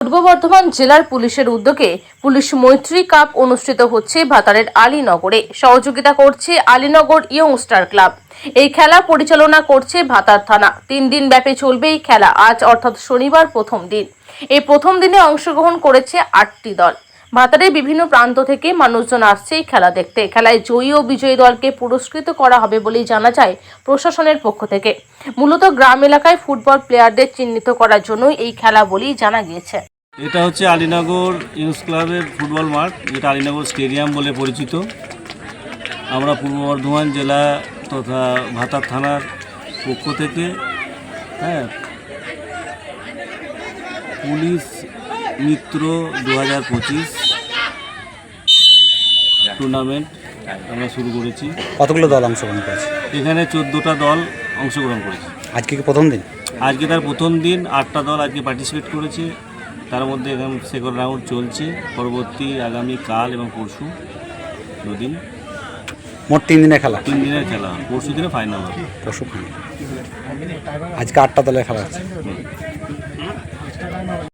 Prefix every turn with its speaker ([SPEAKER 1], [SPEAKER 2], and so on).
[SPEAKER 1] পূর্ব বর্ধমান জেলার পুলিশের উদ্যোগে পুলিশ মৈত্রী কাপ অনুষ্ঠিত হচ্ছে ভাতারের আলীনগরে। সহযোগিতা করছে আলীনগর ইয়ংস্টার ক্লাব। এই খেলা পরিচালনা করছে ভাতার থানা। 3 দিন ব্যাপী চলবে এই খেলা। আজ অর্থাৎ শনিবার প্রথম দিন। এই প্রথম দিনে অংশগ্রহণ করেছে 8টি দল। ভাতারের বিভিন্ন প্রান্ত থেকে মানুষজন আসছে এই খেলা দেখতে। খেলায় জয়ী ও বিজয়ী দলকে পুরস্কৃত করা হবে বলেই জানা যায় প্রশাসনের পক্ষ থেকে। মূলত গ্রাম এলাকায় ফুটবল প্লেয়ারদের চিহ্নিত করার জন্য এই খেলা বলেই জানা গিয়েছে।
[SPEAKER 2] এটা হচ্ছে আলীনগর ইয়ংস ক্লাবের ফুটবল মাঠ, যেটা আলীনগর স্টেডিয়াম বলে পরিচিত। আমরা পূর্ব বর্ধমান জেলা তথা ভাতার থানার পক্ষ থেকে পুলিশ মিত্র 2025 টুর্নামেন্ট আমরা শুরু করেছি।
[SPEAKER 3] কতগুলো দল অংশগ্রহণ করেছে?
[SPEAKER 2] এখানে 14টা দল অংশগ্রহণ করেছে।
[SPEAKER 3] আজকে কি প্রথম দিন?
[SPEAKER 2] আজকে তার প্রথম দিন। 8টা দল আজকে পার্টিসিপেট করেছে। তার মধ্যে এখন সেকেন্ড রাউন্ড চলছে। পরবর্তী আগামী কাল এবং পরশু 2 দিন,
[SPEAKER 3] মোট 3 দিনের খেলা।
[SPEAKER 2] 3 দিনের খেলা। পরশু দিনে ফাইনাল হবে।
[SPEAKER 3] পরশু ফাইনাল। আজকে 8টা দলের খেলা আছে।